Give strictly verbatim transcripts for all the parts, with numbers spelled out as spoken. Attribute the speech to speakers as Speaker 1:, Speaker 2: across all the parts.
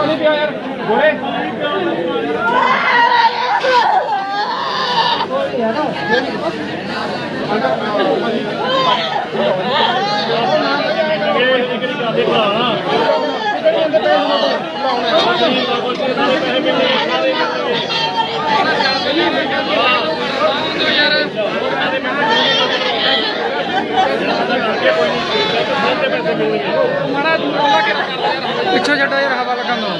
Speaker 1: ਪਾਣੀ ਪਿਆ ਯਾਰ ਗੋਰੇ
Speaker 2: ਪਿੱਛੇ ਛੱਡੋ ਯਾਰ ਹਵਾ ਲੱਗਣ ਦੋ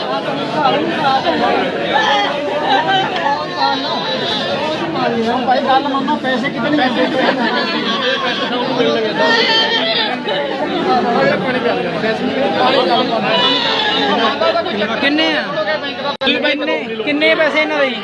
Speaker 1: ਭਾਈ ਗੱਲ ਮੰਨੋ ਪੈਸੇ ਕਿਤੇ ਨਹੀਂ
Speaker 2: ਕਿੰਨੇ ਆ ਕਿੰਨੇ ਕਿੰਨੇ ਪੈਸੇ ਇਹਨਾਂ ਦੇ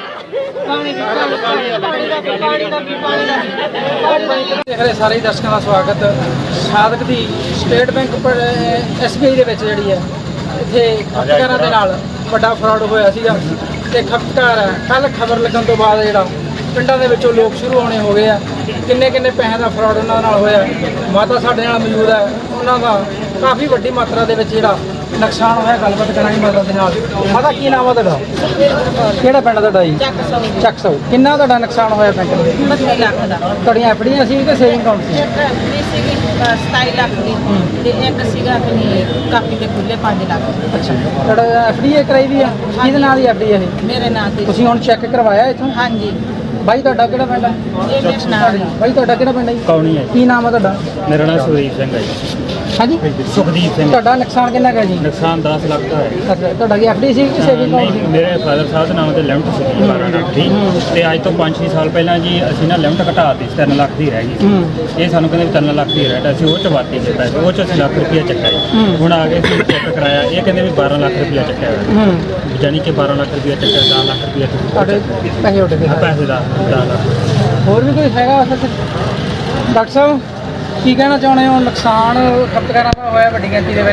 Speaker 2: ਦੇਖ ਰਹੇ ਸਾਰੇ ਦਰਸ਼ਕਾਂ ਦਾ ਸਵਾਗਤ। ਸਾਦਕ ਦੀ State Bank S B I ਦੇ ਵਿੱਚ ਜਿਹੜੀ ਹੈ ਇੱਥੇ ਖਪਤਕਾਰਾਂ ਦੇ ਨਾਲ ਵੱਡਾ ਫਰਾਡ ਹੋਇਆ ਸੀਗਾ ਤੇ ਖਪਤਕਾਰ ਕੱਲ ਖਬਰ ਲੱਗਣ ਤੋਂ ਬਾਅਦ ਜਿਹੜਾ ਪਿੰਡਾਂ ਦੇ ਵਿੱਚੋਂ ਲੋਕ ਸ਼ੁਰੂ ਹੋਣੇ ਹੋ ਗਏ ਆ। ਕਿੰਨੇ ਕਿੰਨੇ ਪੈਸਿਆਂ ਦਾ ਫਰਾਡ ਉਹਨਾਂ ਨਾਲ ਹੋਇਆ। ਮਾਤਾ ਸਾਡੇ ਨਾਲ ਮੌਜੂਦ ਹੈ, ਉਹਨਾਂ ਦਾ ਕਾਫੀ ਵੱਡੀ ਮਾਤਰਾ ਦੇ ਵਿੱਚ ਜਿਹੜਾ ਨੁਕਸਾਨ ਹੋਇਆ। ਗੱਲਬਾਤ ਕਰਾਂਗੇ ਮਾਤਾ ਦੇ ਨਾਲ। ਮਾਤਾ ਕੀ ਨਾਮ ਆ ਤੁਹਾਡਾ? ਕਿਹੜਾ ਪਿੰਡ ਤੁਹਾਡਾ ਜੀ? ਚੱਕ ਸੌ। ਕਿੰਨਾ ਤੁਹਾਡਾ ਨੁਕਸਾਨ ਹੋਇਆ ਬੈਂਕ ਦੇ?
Speaker 3: ਬੱਤੀ ਲੱਖ ਦਾ।
Speaker 2: ਤੁਹਾਡੀਆਂ ਐਫ ਡੀਆਂ ਸੀ ਕਿ ਸੇਵਿੰਗ ਅਕਾਊਂਟ ਸੀ?
Speaker 3: ਇੱਕ ਐਫਡੀ ਸੀਗੀ ਸਤਾਈ ਲੱਖ ਦੀ ਤੇ ਇੱਕ ਸੀਗਾ ਆਪਣੀ ਕਾਪੀ ਦੇ ਖੁੱਲੇ ਪੰਜ ਲੱਖ।
Speaker 2: ਅੱਛਾ, ਤੁਹਾਡਾ ਐਫ ਡੀ ਕਰਾਈ ਵੀ ਆ? ਕਿਹਦੇ ਨਾਲ ਦੀ ਐਫ ਡੀ ਇਹ?
Speaker 3: ਮੇਰੇ ਨਾਂ ਤੇ।
Speaker 2: ਤੁਸੀਂ ਹੁਣ ਚੈੱਕ ਕਰਵਾਇਆ ਇੱਥੋਂ?
Speaker 3: ਹਾਂਜੀ।
Speaker 2: ਬਾਈ ਤੁਹਾਡਾ ਕਿਹੜਾ ਪਿੰਡ ਹੈ?
Speaker 3: ਇਹ ਮੇਰੇ ਨਾਲ ਹੀ।
Speaker 2: ਬਾਈ ਤੁਹਾਡਾ ਕਿਹੜਾ ਪਿੰਡ ਹੈ ਜੀ?
Speaker 4: ਕੌਣੀ ਹੈ?
Speaker 2: ਕੀ ਨਾਮ ਆ ਤੁਹਾਡਾ?
Speaker 4: ਮੇਰਾ ਨਾਮ ਸੁਖਦੀਪ ਸਿੰਘ ਹੈ ਜੀ।
Speaker 2: ਹਾਂਜੀ,
Speaker 4: ਸੁਖਦੀਪ ਸਿੰਘ।
Speaker 2: ਤੁਹਾਡਾ ਨੁਕਸਾਨ ਕਿੰਨਾ ਕੁ ਹੈ ਜੀ?
Speaker 4: ਨੁਕਸਾਨ ਦਸ ਲੱਖ ਦਾ ਹੈ।
Speaker 2: ਅੱਛਾ, ਤੁਹਾਡਾ ਕੀ ਐਫ ਡੀ ਸੀ ਕਿ ਸੇਵਿੰਗ ਅਕਾਊਂਟ ਸੀ?
Speaker 4: ਮੇਰੇ ਫਾਦਰ ਸਾਹਿਬ ਦੇ ਨਾਮ ਤੇ ਲਿਮਟ ਸੀ ਬਾਰਾਂ ਲੱਖ ਦੀ ਤੇ ਅੱਜ ਤੋਂ ਪੰਜ ਛੇ ਸਾਲ ਪਹਿਲਾਂ ਜੀ ਅਸੀਂ ਨਾ ਲਿਮਟ ਘਟਾ ਦਿੱਤੀ ਤਿੰਨ ਲੱਖ ਦੀ ਰਹਿ ਗਈ। ਇਹ ਸਾਨੂੰ ਕਹਿੰਦੇ ਤਿੰਨ ਲੱਖ ਦੀ ਰਹਿ ਅਸੀਂ ਉਹ ਚ ਵਾਤੀ ਦੇ ਪੈਸੇ ਉਹ ਚ ਅਸੀਂ ਲੱਖ ਰੁਪਇਆ ਚੱਕਿਆ ਜੀ। ਹੁਣ ਆ ਕੇ ਅਸੀਂ ਚੈੱਕ ਕਰਾਇਆ, ਇਹ ਕਹਿੰਦੇ ਵੀ ਬਾਰਾਂ ਲੱਖ ਰੁਪਇਆ ਚੱਕਿਆ ਹੋਇਆ, ਜਾਨੀ ਕਿ ਬਾਰਾਂ ਲੱਖ ਰੁਪਇਆ ਚੱਕਿਆ, ਦਸ ਲੱਖ ਰੁਪਇਆ
Speaker 2: ਤੁਹਾਡੇ ਪੈਸੇ ਉੱਡ ਗਏ?
Speaker 4: ਪੈਸੇ ਦਾ ਦਸ ਲੱਖ।
Speaker 2: ਹੋਰ ਵੀ ਕੋਈ ਹੈਗਾ ਅਸਲ 'ਚ? ਡਾਕਟਰ ਸਾਹਿਬ ਕੀ ਕਹਿਣਾ ਚਾਹੁੰਦੇ ਹੋ? ਨੁਕਸਾਨ ਖਪਤਕਾਰਾਂ ਦਾ ਹੋਇਆ ਵੱਡੀ ਗਿਣਤੀ ਦੇ ਵਿੱਚ।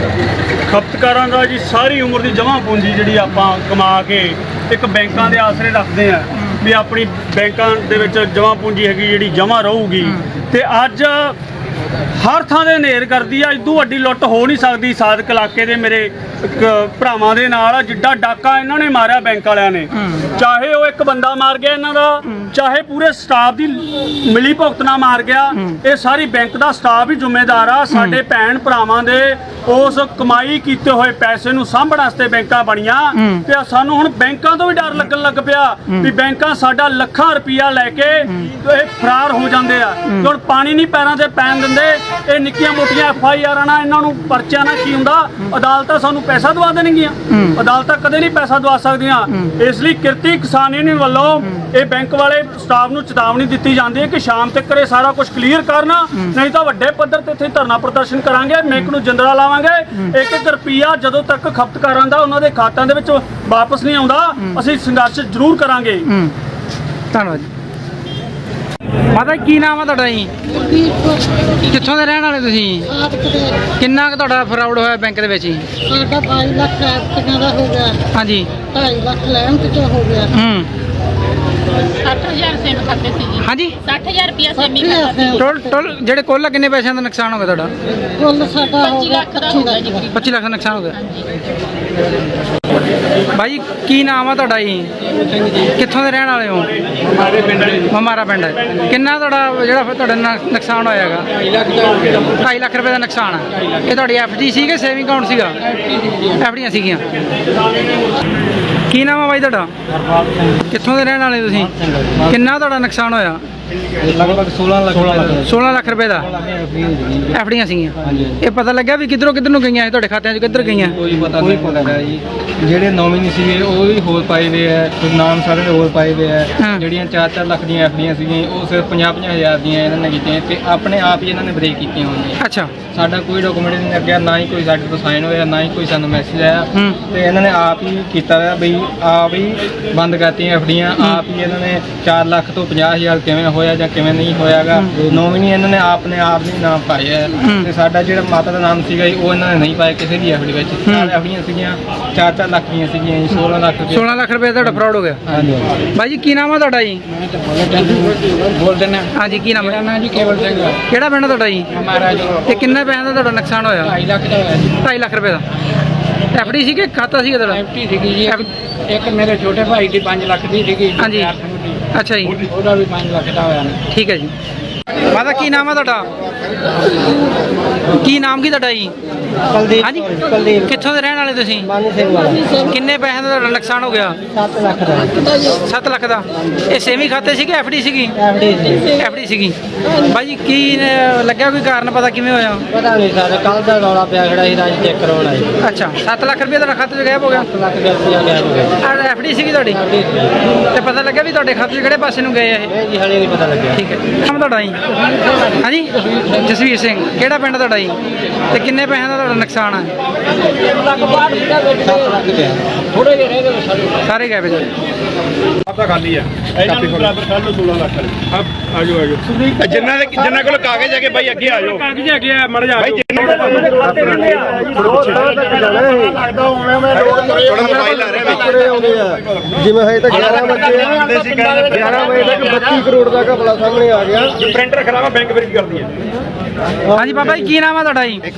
Speaker 5: ਖਪਤਕਾਰਾਂ ਦਾ ਜੀ ਸਾਰੀ ਉਮਰ ਦੀ ਜਮ੍ਹਾਂ ਪੂੰਜੀ ਜਿਹੜੀ ਆਪਾਂ ਕਮਾ ਕੇ ਇੱਕ ਬੈਂਕਾਂ ਦੇ ਆਸਰੇ ਰੱਖਦੇ ਆ ਵੀ ਆਪਣੀ ਬੈਂਕਾਂ ਦੇ ਵਿੱਚ ਜਮ੍ਹਾਂ ਪੂੰਜੀ ਹੈਗੀ ਜਿਹੜੀ ਜਮ੍ਹਾਂ ਰਹੂਗੀ, ਤੇ ਅੱਜ ਹਰ ਥਾਂ ਦੇ ਹਨੇਰ ਕਰਦੀ ਆ। ਇਦੋਂ ਵੱਡੀ ਲੁੱਟ ਹੋ ਨਹੀਂ ਸਕਦੀ ਸਾਦਕ ਇਲਾਕੇ ਦੇ ਮੇਰੇ ਭਰਾਵਾਂ ਦੇ ਨਾਲ ਜਿੱਡਾ ਡਾਕਾ ਇਹਨਾਂ ਨੇ ਮਾਰਿਆ ਬੈਂਕ ਵਾਲਿਆਂ ਨੇ। ਚਾਹੇ ਉਹ ਇੱਕ ਬੰਦਾ ਮਾਰ ਗਿਆ ਇਹਨਾਂ ਦਾ, ਚਾਹੇ ਪੂਰੇ ਸਟਾਫ ਦੀ ਮਿਲੀ ਭੁਗਤ ਨਾਲ ਮਾਰ ਗਿਆ, ਇਹ ਸਾਰੀ ਬੈਂਕ ਦਾ ਸਟਾਫ ਹੀ ਜ਼ਿੰਮੇਦਾਰ ਆ। ਸਾਡੇ ਭੈਣ ਭਰਾਵਾਂ ਦੇ ਉਸ ਕਮਾਈ ਕੀਤੇ ਹੋਏ ਪੈਸੇ ਨੂੰ ਸਾਂਭਣ ਵਾਸਤੇ ਬੈਂਕਾਂ ਬਣੀਆਂ ਤੇ ਸਾਨੂੰ ਹੁਣ ਬੈਂਕਾਂ ਤੋਂ ਵੀ ਡਰ ਲੱਗਣ ਲੱਗ ਪਿਆ ਵੀ ਬੈਂਕਾਂ ਸਾਡਾ ਲੱਖਾਂ ਰੁਪਈਆ ਲੈ ਕੇ ਇਹ ਫਰਾਰ ਹੋ ਜਾਂਦੇ ਆ। ਹੁਣ ਪਾਣੀ ਨਹੀਂ ਪੈਰਾਂ ਤੇ ਪੈਣ ਦਿੰਦੇ। ਇਹ ਨਿੱਕੀਆਂ ਮੋਟੀਆਂ ਐਫ ਆਈ ਆਰਾਂ ਨਾਲ ਇਹਨਾਂ ਨੂੰ ਪਰਚਿਆਂ ਨਾਲ ਕੀ ਹੁੰਦਾ, ਅਦਾਲਤਾਂ ਸਾਨੂੰ ਪੈਸਾ ਦਵਾ ਦੇਣਗੀਆਂ। ਅਦਾਲਤਾਂ ਕਦੇ ਨਹੀਂ ਪੈਸਾ ਦਵਾ ਸਕਦੀਆਂ। ਇਸ ਲਈ ਕਿਰਤੀ ਕਿਸਾਨ ਯੂਨੀਅਨ ਵੱਲੋਂ ਇਹ ਬੈਂਕ ਵਾਲੇ ਸਟਾਫ ਨੂੰ ਚੇਤਾਵਨੀ ਦਿੱਤੀ ਜਾਂਦੀ ਹੈ ਕਿ ਸ਼ਾਮ ਤੱਕ ਇਹ ਸਾਰਾ ਕੁਝ ਕਲੀਅਰ ਕਰਨਾ, ਨਹੀਂ ਤਾਂ ਵੱਡੇ ਪੱਧਰ ਤੇ ਇੱਥੇ ਧਰਨਾ ਪ੍ਰਦਰਸ਼ਨ ਕਰਾਂਗੇ, ਬੈਂਕ ਨੂੰ ਜਿੰਦਰਾ ਲਾਵਾਂਗੇ। ਇੱਕ ਇੱਕ ਰੁਪਈਆ ਜਦੋਂ ਤੱਕ ਖਪਤਕਾਰਾਂ ਦਾ ਉਹਨਾਂ ਦੇ ਖਾਤਿਆਂ ਦੇ ਵਿੱਚ ਵਾਪਸ ਨਹੀਂ ਆਉਂਦਾ ਅਸੀਂ ਸੰਘਰਸ਼ ਜ਼ਰੂਰ ਕਰਾਂਗੇ।
Speaker 2: ਧੰਨਵਾਦ ਜੀ। ਮਾਤਾ ਕੀ ਨਾਮ ਆ ਤੁਹਾਡਾ ਜੀ? ਕਿੱਥੋਂ ਦੇ ਰਹਿਣ ਵਾਲੇ ਤੁਸੀਂ? ਕਿੰਨਾ ਕੁ ਤੁਹਾਡਾ ਫਰਾਡ ਹੋਇਆ ਬੈਂਕ ਦੇ ਵਿੱਚ ਜੀ?
Speaker 6: ਸਾਡਾ ਬਾਈ ਲੱਖ ਐਪਟੀਆਂ ਦਾ ਹੋ ਗਿਆ।
Speaker 2: ਹਾਂਜੀ।
Speaker 6: ਢਾਈ ਲੱਖ ਲੈਣ ਤੇ ਹੋ ਗਿਆ।
Speaker 2: ਹੂੰ।
Speaker 7: ਸੱਠ ਹਜ਼ਾਰ ਸੇਮ ਖਾਤੇ ਸੀ ਜੀ।
Speaker 2: ਹਾਂਜੀ।
Speaker 7: ਸੱਠ ਹਜ਼ਾਰ ਰੁਪਇਆ ਸੇਮੀ ਖਾਤਾ ਸੀ।
Speaker 2: ਟੋਲ ਟੋਲ ਜਿਹੜੇ ਕੁੱਲ ਕਿੰਨੇ ਪੈਸਿਆਂ ਦਾ ਨੁਕਸਾਨ ਹੋ ਗਿਆ ਤੁਹਾਡਾ?
Speaker 6: ਕੁੱਲ ਸਾਡਾ ਹੋ
Speaker 7: ਪੱਚੀ
Speaker 6: ਗਿਆ
Speaker 7: ਲੱਖ ਦਾ ਹੋ ਗਿਆ ਜੀ।
Speaker 2: ਪੱਚੀ ਲੱਖ ਦਾ ਨੁਕਸਾਨ ਹੋ ਗਿਆ। ਭਾਈ ਕੀ ਨਾਮ ਆ ਤੁਹਾਡਾ ਜੀ? ਕਿੱਥੋਂ ਦੇ ਰਹਿਣ ਵਾਲੇ ਹੋ? ਮਮਾਰਾ ਪਿੰਡ ਹੈ। ਕਿੰਨਾ ਤੁਹਾਡਾ ਜਿਹੜਾ ਫਿਰ ਤੁਹਾਡਾ ਨੁ- ਨੁਕਸਾਨ ਹੋਇਆ ਹੈਗਾ? ਢਾਈ ਲੱਖ ਰੁਪਏ ਦਾ ਨੁਕਸਾਨ ਆ। ਇਹ ਤੁਹਾਡੀ ਐਫ ਡੀ ਸੀ ਕਿ ਸੇਵਿੰਗ ਅਕਾਊਂਟ ਸੀਗਾ? ਐਫ ਡੀਆਂ ਸੀਗੀਆਂ। ਕੀ ਨਾਮ ਆ ਬਾਈ ਤੁਹਾਡਾ? ਕਿੱਥੋਂ ਦੇ ਰਹਿਣ ਵਾਲੇ ਤੁਸੀਂ? ਕਿੰਨਾ ਤੁਹਾਡਾ ਨੁਕਸਾਨ ਹੋਇਆ?
Speaker 4: ਲਗਭਗ ਸੋਲਾਂ ਲੱਖ
Speaker 2: ਸੋਲਾਂ ਲੱਖ ਰੁਪਏ ਦਾ ਐਫ ਡੀਆਂ ਸੀਗੀਆਂ। ਇਹ ਪਤਾ ਲੱਗਿਆ ਵੀ ਕਿੱਧਰੋਂ ਕਿੱਧਰ ਨੂੰ ਗਈਆਂ ਇਹ ਤੁਹਾਡੇ ਖਾਤਿਆਂ 'ਚ ਕਿੱਧਰ ਗਈਆਂ?
Speaker 4: ਕੋਈ ਪਤਾ ਨਹੀਂ ਪਤਾ ਜੀ। ਜਿਹੜੇ ਨੋਮੀਨੀ ਸੀਗੇ ਉਹ ਵੀ ਹੋਰ ਪਾਏ ਵੇ ਆ, ਨਾਮ ਸਾਰੇ ਦੇ ਹੋਰ ਪਾਏ ਵੇ ਆ। ਜਿਹੜੀਆਂ ਚਾਰ ਚਾਰ ਲੱਖ ਦੀਆਂ ਐਫ ਡੀਆਂ ਸੀਗੀਆਂ ਉਹ ਸਿਰਫ ਪੰਜਾਹ ਪੰਜਾਹ ਹਜ਼ਾਰ ਦੀਆਂ ਇਹਨਾਂ ਨੇ ਕੀਤੀਆਂ ਤੇ ਆਪਣੇ ਆਪ ਹੀ ਇਹਨਾਂ ਨੇ ਬ੍ਰੇਕ ਕੀਤੀਆਂ ਹੋਈਆਂ।
Speaker 2: ਅੱਛਾ।
Speaker 4: ਸਾਡਾ ਕੋਈ ਡਾਕੂਮੈਂਟ ਨਹੀਂ ਲੱਗਿਆ, ਨਾ ਹੀ ਕੋਈ ਸਾਡੇ ਤੋਂ ਸਾਈਨ ਹੋਇਆ, ਨਾ ਹੀ ਕੋਈ ਸਾਨੂੰ ਮੈਸੇਜ ਆਇਆ ਤੇ ਇਹਨਾਂ ਨੇ ਆਪ ਹੀ ਕੀਤਾ ਹੋਇਆ ਬਈ ਆਪ ਹੀ ਬੰਦ ਕਰਤੀਆਂ ਐਫ ਡੀਆਂ। ਆਪ ਹੀ ਇਹਨਾਂ ਨੇ ਚਾਰ ਲੱਖ ਤੋਂ ਪੰਜਾਹ ਹਜ਼ਾਰ ਕਿਵੇਂ ਹੋਇਆ ਜਾਂ ਕਿਵੇਂ ਨਹੀਂ ਹੋਇਆਗਾ, ਨੋਮੀਨੀ ਇਹਨਾਂ ਨੇ ਆਪ ਨੇ ਆਪ ਨਹੀਂ ਨਾਮ ਪਾਇਆ ਤੇ ਸਾਡਾ ਜਿਹੜਾ ਮਾਤਾ ਦਾ ਨਾਮ ਸੀਗਾ ਜੀ ਉਹ ਇਹਨਾਂ ਨੇ ਨਹੀਂ ਪਾਇਆ ਕਿਸੇ ਦੀ ਐਫ ਡੀ ਵਿੱਚ। ਚਾਰ ਐਫ ਡੀਆਂ ਸੀਗੀਆਂ, ਚਾਰ ਚਾਰ ਲੱਖ ਦੀਆਂ ਸੀਗੀਆਂ ਜੀ। ਸੋਲਾਂ ਲੱਖ ਰੁਪਏ
Speaker 2: ਸੋਲਾਂ ਲੱਖ ਰੁਪਏ ਤੁਹਾਡਾ ਫਰਾਡ ਹੋ ਗਿਆ।
Speaker 4: ਹਾਂਜੀ।
Speaker 2: ਬਾਈ ਜੀ ਕੀ ਨਾਮ ਆ ਤੁਹਾਡਾ ਜੀ?
Speaker 4: ਬੋਲ ਦਿੰਦੇ
Speaker 2: ਹਾਂਜੀ ਕੀ ਨਾਮ ਹੈ?
Speaker 4: ਨਾਮ ਜੀ ਕੇਵਲ ਸਿੰਘ
Speaker 2: ਕਿਹੜਾ ਪਿੰਡ ਤੁਹਾਡਾ ਜੀ?
Speaker 4: ਮਹਾਰਾਜ।
Speaker 2: ਤੇ ਕਿੰਨੇ ਪੈਸਿਆਂ ਦਾ ਤੁਹਾਡਾ ਨੁਕਸਾਨ ਹੋਇਆ?
Speaker 4: ਢਾਈ ਲੱਖ ਦਾ ਹੋਇਆ ਜੀ।
Speaker 2: ਢਾਈ ਲੱਖ ਰੁਪਏ ਦਾ। ਐਫਡੀ ਸੀ ਕਿ ਖਾਤਾ ਸੀ ਤੁਹਾਡਾ?
Speaker 1: ਐਫਟੀ ਸੀਗੀ ਜੀ ਇੱਕ- ਇੱਕ ਮੇਰੇ ਛੋਟੇ ਭਾਈ ਦੀ ਪੰਜ ਲੱਖ ਦੀ ਸੀਗੀ।
Speaker 2: ਹਾਂਜੀ। ਅੱਛਾ ਜੀ,
Speaker 1: ਉਹਦਾ ਵੀ ਪੰਜ ਲੱਖ ਦਾ ਹੋਇਆ ਨਾ।
Speaker 2: ਠੀਕ ਹੈ ਜੀ। ਮਾਤਾ ਕੀ ਨਾਮ ਆ ਤੁਹਾਡਾ? ਕੀ ਨਾਮ ਕੀ ਤੁਹਾਡਾ ਜੀ?
Speaker 6: ਕੁਲਦੀਪ
Speaker 2: ਹਾਂਜੀ,
Speaker 6: ਕੁਲਦੀਪ
Speaker 2: ਕਿੱਥੋਂ ਦੇ ਰਹਿਣ ਵਾਲੇ ਤੁਸੀਂ?
Speaker 6: ਮਾਨੀ ਸਿੰਘ ਵਾਲਾ
Speaker 2: ਕਿੰਨੇ ਪੈਸਿਆਂ ਦਾ ਤੁਹਾਡਾ ਨੁਕਸਾਨ ਹੋ ਗਿਆ?
Speaker 6: ਸੱਤ ਲੱਖ ਦਾ
Speaker 2: ਸੱਤ ਲੱਖ ਦਾ। ਇਹ ਸੇਵਿੰਗ ਖਾਤੇ ਸੀ ਕਿ ਐਫਡੀ ਸੀਗੀ?
Speaker 6: ਐਫਡੀ ਸੀ।
Speaker 2: ਐਫਡੀ ਸੀਗੀ। ਬਾਈ ਜੀ ਕੀ ਅਹ, ਲੱਗਿਆ ਕੋਈ ਕਾਰਨ ਪਤਾ ਕਿਵੇਂ ਹੋਇਆ?
Speaker 6: ਪਤਾ ਨਹੀਂ ਸਰ ਕੱਲ ਦਾ ਰੌਲਾ ਪਿਆ ਖੜਾ ਸੀ ਰਾਜ ਚੈੱਕ ਕਰਾਉਣ ਆਏ
Speaker 2: ਅੱਛਾ, ਸੱਤ ਲੱਖ ਰੁਪਏ ਤੁਹਾਡਾ ਖਾਤੇ 'ਚ ਗਾਇਬ ਹੋ ਗਿਆ?
Speaker 6: ਸੱਤ ਲੱਖ ਦੇ ਰੁਪਇਆ ਗਿਆ ਹੋ ਗਿਆ
Speaker 2: ਐਫਡੀ ਸੀਗੀ ਤੁਹਾਡੀ?
Speaker 6: ਐਫਡੀ ਸੀ।
Speaker 2: ਤੇ ਪਤਾ ਲੱਗਿਆ ਵੀ ਤੁਹਾਡੇ ਖਾਤੇ 'ਚ ਕਿਹੜੇ ਪਾਸੇ ਨੂੰ ਗਏ ਆ ਇਹ?
Speaker 6: ਇਹ ਜੀ ਹਲੇ ਨਹੀਂ ਪਤਾ ਲੱਗਿਆ।
Speaker 2: ਠੀਕ ਹੈ। ਨਾਮ ਤੁਹਾਡਾ ਜੀ? ਹਾਂਜੀ, ਜਸਵੀਰ ਸਿੰਘ। ਕਿਹੜਾ ਪਿੰਡ ਤੁਹਾਡਾ ਜੀ? ਤੇ ਕਿੰਨੇ ਪੈਸਿਆਂ ਦਾ ਤੁਹਾਡਾ ਨੁਕਸਾਨ ਹੈ?
Speaker 6: ਸੱਤ ਲੱਖ ਪਿਆ ਥੋੜੇ ਜਿਹੇ ਰਹਿ ਗਏ ਸਾਡੇ
Speaker 2: ਸਾਰੇ ਗਏ ਜੀ।
Speaker 5: ਆਪਦਾ ਖਾਲੀ ਆ ਇਹਨਾਂ ਨੂੰ ਬਰਾਬਰ ਕਰ ਲਓ ਸੋਲਾਂ ਲੱਖ ਆ ਆਜੋ ਆਜੋ ਜਿੰਨਾ ਦੇ ਜਿੰਨਾ ਕੋਲ ਕਾਗਜ਼ ਹੈਗੇ ਬਾਈ ਅੱਗੇ ਆ ਜਾਓ। ਕਾਗਜ਼ ਹੈਗੇ ਆ ਮੜ ਜਾ ਬਾਈ ਜਿੰਨਾ ਖਾਤੇ ਕਿੰਨੇ ਆ ਲੱਗਦਾ ਹੋਣਾ ਮੈਂ ਥੋੜਾ ਮੋਬਾਈਲ ਆ ਰਿਹਾ ਵਿੱਚ
Speaker 8: ਜਿਵੇਂ ਹਜੇ ਤੱਕ ਗਿਆਰਾਂ ਵਜੇ
Speaker 5: ਆਉਂਦੇ ਸੀ ਕਹਿੰਦੇ
Speaker 8: ਗਿਆਰਾਂ ਵਜੇ ਤੱਕ ਬੱਤੀ ਕਰੋੜ ਦਾ ਘਪਲਾ ਸਾਹਮਣੇ ਆ ਗਿਆ।
Speaker 5: ਜੇ ਪ੍ਰਿੰਟਰ ਖਰਾਬ ਬੈਂਕ ਵਿੱਚ ਕਰਦੀ ਹੈ।
Speaker 2: ਹਾਂਜੀ ਬਾਬਾ ਜੀ, ਕੀ ਨਾਮ ਆ ਤੁਹਾਡਾ ਜੀ?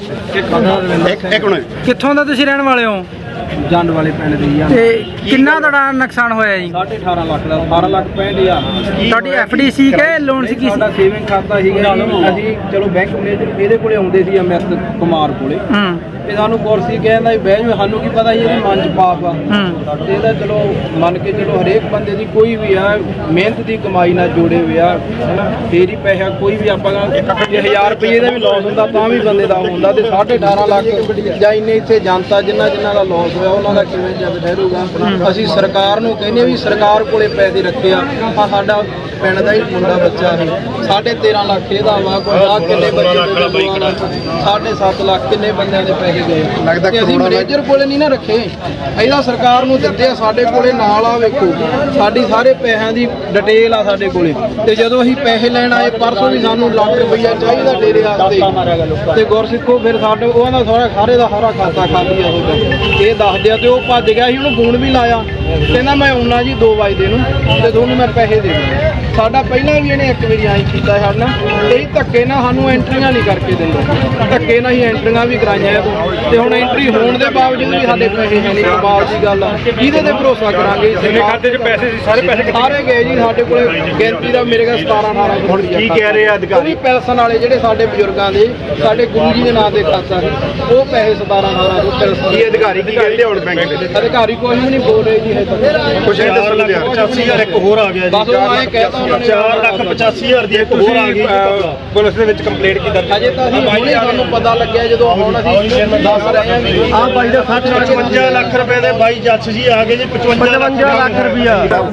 Speaker 5: ਇੱਕ ਇੱਕ ਮਿੰਟ
Speaker 2: ਕਿੱਥੋਂ ਦਾ ਤੁਸੀਂ ਰਹਿਣ ਵਾਲੇ ਹੋ?
Speaker 4: ਜੰਡ ਵਾਲੇ ਪਿੰਡ ਦੀ ਆ
Speaker 2: ਤੇ ਕਿੰਨਾ ਤੁਹਾਡਾ ਨੁਕਸਾਨ ਹੋਇਆ ਜੀ?
Speaker 4: ਸਾਢੇ ਅਠਾਰਾਂ ਲੱਖ ਦਾ ਅਠਾਰਾਂ ਲੱਖ ਪੈਂਹਠ ਹਜ਼ਾਰ
Speaker 2: ਤੁਹਾਡੀ ਐਫਡੀ ਸੀ ਕਿ ਲੋਨ ਸੀ? ਕੀ ਸੀ?
Speaker 4: ਸਾਡਾ ਸੇਵਿੰਗ ਖਾਤਾ ਸੀਗਾ ਜੀ। ਅਸੀਂ ਚਲੋ ਬੈਂਕ ਮੈਨੇਜਰ ਇਹਦੇ ਕੋਲੇ ਆਉਂਦੇ ਸੀ ਅਮਿਤ ਕੁਮਾਰ ਕੋਲੇ।
Speaker 2: ਹੂੰ
Speaker 4: ਇਹ ਸਾਨੂੰ ਕੁਰਸੀ ਕਹਿੰਦਾ ਵੀ ਬਹਿ ਜਾਓ, ਸਾਨੂੰ ਕੀ ਪਤਾ ਸੀ ਇਹਦੇ ਮਨ ਚ ਪਾਪ ਆ।
Speaker 2: ਹੂੰ
Speaker 4: ਤੇ ਇਹਦਾ ਚਲੋ ਮੰਨ ਕੇ ਚਲੋ ਹਰੇਕ ਬੰਦੇ ਦੀ ਕੋਈ ਵੀ ਆ ਮਿਹਨਤ ਦੀ ਕਮਾਈ ਨਾਲ ਜੋੜੇ ਹੋਏ ਆ ਹਨਾ, ਫੇਰ ਹੀ ਪੈਸਾ ਕੋਈ ਵੀ ਆਪਾਂ ਜੇ ਹਜ਼ਾਰ ਰੁਪਏ ਦਾ ਵੀ ਲਾਸ ਹੁੰਦਾ ਤਾਂ ਵੀ ਬੰਦੇ ਦਾ ਹੁੰਦਾ। ਤੇ ਸਾਢੇ ਅਠਾਰਾਂ ਲੱਖ ਜਾਂ ਇੰਨੇ ਇੱਥੇ ਜਨਤਾ ਜਿਨ੍ਹਾਂ ਜਿਨ੍ਹਾਂ ਦਾ ਲਾਸ ਹੋਇਆ ਉਹਨਾਂ ਦਾ ਕਿਵੇਂ ਜਦ ਠਹਿਰੂਗਾ? ਅਸੀਂ ਸਰਕਾਰ ਨੂੰ ਕਹਿੰਦੇ ਵੀ ਸਰਕਾਰ ਕੋਲੇ ਪੈਸੇ ਰੱਖੇ ਆ। ਆ ਸਾਡਾ ਪਿੰਡ ਦਾ ਹੀ ਮੁੰਡਾ ਬੱਚਾ ਹੈ, ਸਾਢੇ ਤੇਰਾਂ ਲੱਖ ਇਹਦਾ ਵਾ, ਕੋਈ ਆ ਕਿੰਨੇ ਬੱਚੇ ਸਾਢੇ ਸੱਤ ਲੱਖ ਕਿੰਨੇ ਬੰਦਿਆਂ ਦੇ ਪੈਸੇ ਗਏ। ਤੇ ਅਸੀਂ ਮੈਨੇਜਰ ਕੋਲੇ ਨਹੀਂ ਨਾ ਰੱਖੇ, ਇਹਦਾ ਸਰਕਾਰ ਨੂੰ ਦਿੱਤੇ ਆ। ਸਾਡੇ ਕੋਲੇ ਨਾਲ ਆ ਵੇਖੋ ਸਾਡੀ ਸਾਰੇ ਪੈਸਿਆਂ ਦੀ ਡਿਟੇਲ ਆ ਸਾਡੇ ਕੋਲੇ। ਤੇ ਜਦੋਂ ਅਸੀਂ ਪੈਸੇ ਲੈਣ ਆਏ ਪਰਸੋਂ ਵੀ ਸਾਨੂੰ ਲੱਖ ਰੁਪਈਆ ਚਾਹੀਦਾ ਡੇਰੇ ਵਾਸਤੇ ਤੇ ਗੁਰਸਿੱਖੋ ਫਿਰ ਸਾਡੇ ਉਹਨਾਂ ਦਾ ਸਾਰਾ ਸਾਰੇ ਦਾ ਸਾਰਾ ਖਾਤਾ ਖਾਲੀ ਆ ਉਹ ਇਹ ਦੱਸਦੇ ਆ। ਤੇ ਉਹ ਭੱਜ ਗਿਆ ਸੀ, ਉਹਨੂੰ ਫੋਨ ਵੀ ਲਾਇਆ, ਕਹਿੰਦਾ ਮੈਂ ਆਉਣਾ ਜੀ ਦੋ ਵਜੇ ਨੂੰ ਤੇ ਤੁਹਾਨੂੰ ਮੈਂ ਪੈਸੇ ਦੇ ਦੂੰਗਾ। ਸਾਡਾ ਪਹਿਲਾਂ ਵੀ ਇਹਨੇ ਇੱਕ ਵਾਰੀ ਆਈ ਕੀਤਾ ਸਾਡੇ ਨਾਲ, ਇਹ ਧੱਕੇ ਨਾਲ ਸਾਨੂੰ ਐਂਟਰੀਆਂ ਨਹੀਂ ਕਰਕੇ ਦਿੰਦਾ। ਧੱਕੇ ਨਾਲ ਹੀ ਐਂਟਰੀਆਂ ਵੀ ਕਰਾਈਆਂ ਤੇ ਹੁਣ ਐਂਟਰੀ ਹੋਣ ਦੇ ਬਾਵਜੂਦ ਵੀ ਸਾਡੇ ਪੈਸੇ ਹੈ ਨਹੀਂ। ਕਮਾਲ ਦੀ ਗੱਲ ਆ, ਕਿਹਦੇ ਤੇ ਭਰੋਸਾ ਕਰਾਂਗੇ?
Speaker 5: ਜਿੰਨੇ ਖਾਤੇ 'ਚ ਪੈਸੇ ਸੀ ਸਾਰੇ ਪੈਸੇ
Speaker 4: ਸਾਰੇ ਗਏ ਜੀ। ਸਾਡੇ ਕੋਲੇ ਗਿਣਤੀ ਦਾ ਮੇਰੇ ਕੋਲ ਸਤਾਰਾਂ ਅਠਾਰਾਂ
Speaker 5: ਹੁਣ ਕੀ ਕਹਿ ਰਹੇ ਆ ਅਧਿਕਾਰੀ?
Speaker 4: ਪੈਨਸ਼ਨ ਵਾਲੇ ਜਿਹੜੇ ਸਾਡੇ ਬਜ਼ੁਰਗਾਂ ਦੇ ਸਾਡੇ ਗੁਰੂ ਜੀ ਦੇ ਨਾਂ ਤੇ ਖਾਤਾ ਸੀ, ਉਹ ਪੈਸੇ ਸਤਾਰਾਂ ਅਠਾਰਾਂ ਤੋਂ ਪੈਨਸ਼ਨ
Speaker 5: ਕੀ ਅਧਿਕਾਰੀ ਕੀ ਕਹਿੰਦੇ ਹੁਣ ਬੈਂਕ ਦੇ?
Speaker 4: ਅਧਿਕਾਰੀ ਕੋਈ ਵੀ ਨਹੀਂ ਬੋਲ ਰਹੇ ਜੀ ਹਜੇ ਤੱਕ।
Speaker 5: ਕੁਛ ਇਹ ਦੱਸੋ ਲਿਆ ਪਚਾਸੀ ਹਜ਼ਾਰ ਇੱਕ ਹੋਰ ਆ ਗਿਆ
Speaker 4: ਬਸ
Speaker 5: ਜੀ।
Speaker 4: ਉਹ ਐਂ ਕਹਿਤਾ ਉਹਨਾਂ ਨੇ
Speaker 5: ਚਾਰ ਲੱਖ ਪਚਾਸੀ ਹਜ਼ਾਰ ਦੀ ਇੱਕ ਹੋਰ ਆ ਗਈ ਪੁਲਿਸ ਦੇ ਵਿੱਚ ਕੰਪਲੇਂਟ ਕੀ ਦਰਜ?
Speaker 4: ਅਜੇ ਤਾਂ ਅਸੀਂ ਹੁਣੇ ਸਾਨੂੰ ਪਤਾ ਲੱਗਿਆ ਜਦੋਂ ਹੁਣ ਅਸੀਂ ਦੱਸ ਰਹੇ ਹਾਂ ਵੀ
Speaker 5: ਆ ਬਾਈ ਦਾ ਪਚਵੰਜਾ ਲੱਖ ਰੁਪਏ ਦੇ ਬਾਈ ਜੱਜ ਜੀ ਆ ਗਏ ਜੀ। ਪਚਵੰਜਾ ਲੱਖ ਰੁਪਇਆ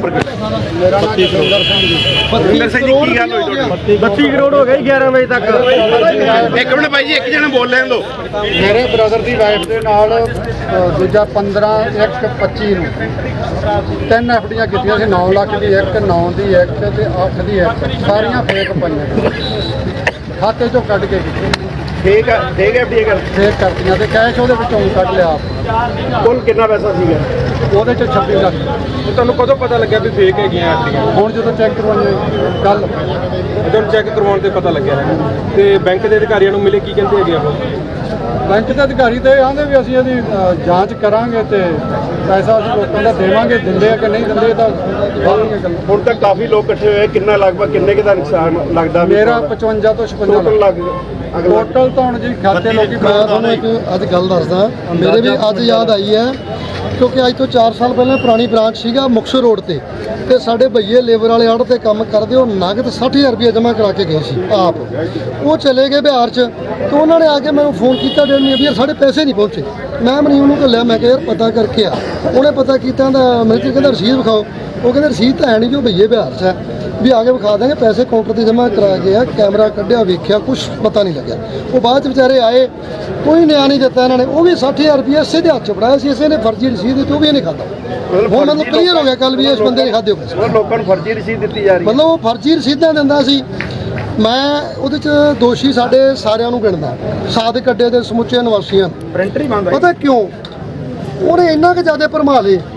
Speaker 5: ਮੇਰਾ ਨਾਮ ਸੁਰਿੰਦਰ ਸਿੰਘ ਜੀ। ਸੁਰਿੰਦਰ ਸਿੰਘ ਜੀ ਕੀ ਗੱਲ ਹੋਈ ਤੁਹਾਡੀ?
Speaker 8: ਬੱਤੀ ਕਰੋੜ ਹੋ ਗਏ ਗਿਆਰਾਂ ਵਜੇ ਤੱਕ।
Speaker 5: ਇੱਕ ਮਿੰਟ ਬਾਈ ਜੀ ਇੱਕ ਜਣਾ ਬੋਲ ਲੈਣ ਦਿਓ।
Speaker 8: ਮੇਰੇ ਬ੍ਰਦਰ ਦੀ ਵਾਈਫ ਦੇ ਨਾਲ ਅ, ਦੂਜਾ ਪੰਦਰਾਂ ਇੱਕ ਪੱਚੀ ਨੂੰ ਤਿੰਨ ਐਫਡੀਆਂ ਕੀਤੀਆਂ ਸੀ। ਨੌ ਲੱਖ ਦੀ ਇੱਕ, ਨੌ ਦੀ ਇੱਕ ਤੇ ਅੱਠ ਦੀ ਇੱਕ, ਸਾਰੀਆਂ ਫੇਕ ਪਈਆਂ ਖਾਤੇ ਚੋਂ ਕੱਢ ਕੇ ਕੀਤੀ
Speaker 5: ਠੀਕ ਹੈ ਠੀਕ ਹੈ ਠੀਕ ਹੈ।
Speaker 8: ਫੇਕ ਕਰਤੀਆਂ ਤੇ ਕੈਸ਼ ਉਹਦੇ ਵਿੱਚੋਂ ਕੱਢ ਲਿਆ ਆਪ।
Speaker 5: ਕੁੱਲ ਕਿੰਨਾ ਪੈਸਾ ਸੀਗਾ?
Speaker 8: ਉਹਦੇ ਚ ਛੱਬੀ ਲੱਖ।
Speaker 4: ਤੁਹਾਨੂੰ ਕਦੋਂ ਪਤਾ ਲੱਗਿਆ ਵੀ ਫੇਕ ਹੈਗੀਆਂ ਐਫਡੀਆਂ?
Speaker 8: ਹੁਣ ਜਦੋਂ ਚੈੱਕ ਕਰਵਾਉਣੇ ਕੱਲ
Speaker 4: ਜਦੋਂ ਚੈੱਕ ਕਰਵਾਉਣ ਤੇ ਪਤਾ ਲੱਗਿਆ ਤੇ ਬੈਂਕ ਦੇ ਅਧਿਕਾਰੀਆਂ ਨੂੰ ਮਿਲੇ ਕੀ ਕਹਿੰਦੇ ਹੈਗੇ ਉਹ?
Speaker 8: ਬੈਂਕ ਦੇ ਅਧਿਕਾਰੀ ਤੇ ਆਂਦੇ ਵੀ ਅਸੀਂ ਇਹਦੀ ਅ, ਜਾਂਚ ਕਰਾਂਗੇ ਤੇ ਪੈਸਾ ਅਸੀਂ ਲੋਕਾਂ ਦਾ ਦੇਵਾਂਗੇ। ਦਿੰਦੇ ਆ ਕਿ ਨਹੀਂ ਦਿੰਦੇ ਤਾਂ ਬਾਅਦ ਗੱਲ।
Speaker 5: ਹੁਣ ਤੱਕ ਕਾਫੀ ਲੋਕ ਇਕੱਠੇ ਹੋਏ, ਕਿੰਨਾ ਲਗਭਗ ਕਿੰਨੇ ਕੁ ਦਾ ਨੁਕਸਾਨ ਲੱਗਦਾ?
Speaker 8: ਮੇਰਾ ਪਚਵੰਜਾ ਤੋਂ ਛਪੰਜਾ
Speaker 5: ਟੋਟਲ
Speaker 8: ਲੱਖ
Speaker 5: ਲੱਗ
Speaker 8: ਟੋਟਲ ਤਾਂ ਹੁਣ ਜੀ ਖਾਤੇ ਲੋਕੀ।
Speaker 9: ਮੈਂ ਤੁਹਾਨੂੰ ਇੱਕ ਅੱਜ ਗੱਲ ਦੱਸਦਾ, ਮੇਰੇ ਵੀ ਅੱਜ ਯਾਦ ਆਈ ਹੈ ਕਿਉਂਕਿ ਅੱਜ ਤੋਂ ਚਾਰ ਸਾਲ ਪਹਿਲਾਂ ਪੁਰਾਣੀ ਬ੍ਰਾਂਚ ਸੀਗਾ ਮੁਕਤਸਰ ਰੋਡ ਤੇ ਤੇ ਸਾਡੇ ਭਈਏ ਲੇਬਰ ਵਾਲੇ ਆੜ ਤੇ ਕੰਮ ਕਰਦੇ, ਉਹ ਨਗਦ ਸੱਠ ਹਜ਼ਾਰ ਰੁਪਏ ਜਮ੍ਹਾਂ ਕਰਾ ਕੇ ਗਏ ਸੀ ਆਪ। ਉਹ ਚਲੇ ਗਏ ਬਿਹਾਰ 'ਚ ਤੇ ਉਹਨਾਂ ਨੇ ਆ ਕੇ ਮੈਨੂੰ ਫੋਨ ਕੀਤਾ ਡੇਢ ਮਹੀਨੇ ਵੀ ਯਾਰ ਸਾਡੇ ਪੈਸੇ ਨਹੀਂ ਪਹੁੰਚੇ। ਮੈਂ ਮਨੀ ਉਹਨੂੰ ਘੱਲਿਆ, ਮੈਂ ਕਿਹਾ ਯਾਰ ਪਤਾ ਕਰਕੇ ਆ। ਉਹਨੇ ਪਤਾ ਕੀਤਾ ਤਾਂ ਮੈਨੂੰ ਕਹਿੰਦਾ ਰਸੀਦ ਵਿਖਾਓ। ਉਹ ਕਹਿੰਦੇ ਰਸੀਦ ਤਾਂ ਹੈ ਨਹੀਂ ਜੋ ਭਈਏ ਬਿਹਾਰ 'ਚ ਹੈ, ਵੀ ਆ ਕੇ ਵਿਖਾ ਦਾਂਗੇ। ਪੈਸੇ ਕਾਊਂਟਰ ਤੇ ਜਮ੍ਹਾਂ ਕਰਾ ਗਏ ਆ, ਕੈਮਰਾ ਕੱਢਿਆ ਵੇਖਿਆ ਕੁਝ ਪਤਾ ਨਹੀਂ ਲੱਗਿਆ। ਉਹ ਬਾਅਦ 'ਚ ਵਿਚਾਰੇ ਆਏ, ਕੋਈ ਨਿਆਂ ਨਹੀਂ ਦਿੱਤਾ ਇਹਨਾਂ ਨੇ। ਉਹ ਵੀ ਸੱਠ ਹਜ਼ਾਰ ਰੁਪਏ ਇਸੇ ਦੇ ਹੱਥ 'ਚ ਫੜਾਇਆ ਸੀ, ਇਸੇ ਨੇ ਫਰਜ਼ੀ ਰਸੀਦ ਦਿੱਤੀ, ਉਹ ਵੀ ਇਹਨੇ ਖਾਧਾ। ਹੁਣ ਮਤਲਬ ਕਲੀਅਰ ਹੋ ਗਿਆ ਕੱਲ ਵੀ ਇਸ ਬੰਦੇ ਨੇ ਖਾਧੇ ਹੋ ਗਏ।
Speaker 5: ਲੋਕਾਂ ਨੂੰ ਫਰਜ਼ੀ ਰਸੀਦ ਦਿੱਤੀ ਜਾ ਰਹੀ ਹੈ।
Speaker 9: ਮਤਲਬ ਉਹ ਫਰਜ਼ੀ ਰਸੀਦਾਂ ਦਿੰਦਾ ਸੀ। ਮੈਂ ਉਹਦੇ 'ਚ ਦੋਸ਼ੀ ਸਾਡੇ ਸਾਰਿਆਂ ਨੂੰ ਗਿਣਦਾ, ਸਾਦਿਕ ਅੱਡੇ ਦੇ ਸਮੁੱਚੇ ਨਿਵਾਸੀਆਂ।
Speaker 5: ਪ੍ਰਿੰਟਰ ਹੀ ਬੰਦ
Speaker 9: ਪਤਾ ਕਿਉਂ? ਉਹਨੇ ਇੰਨਾ ਕੁ ਜ਼ਿਆਦਾ ਭਰਮਾ ਲਏ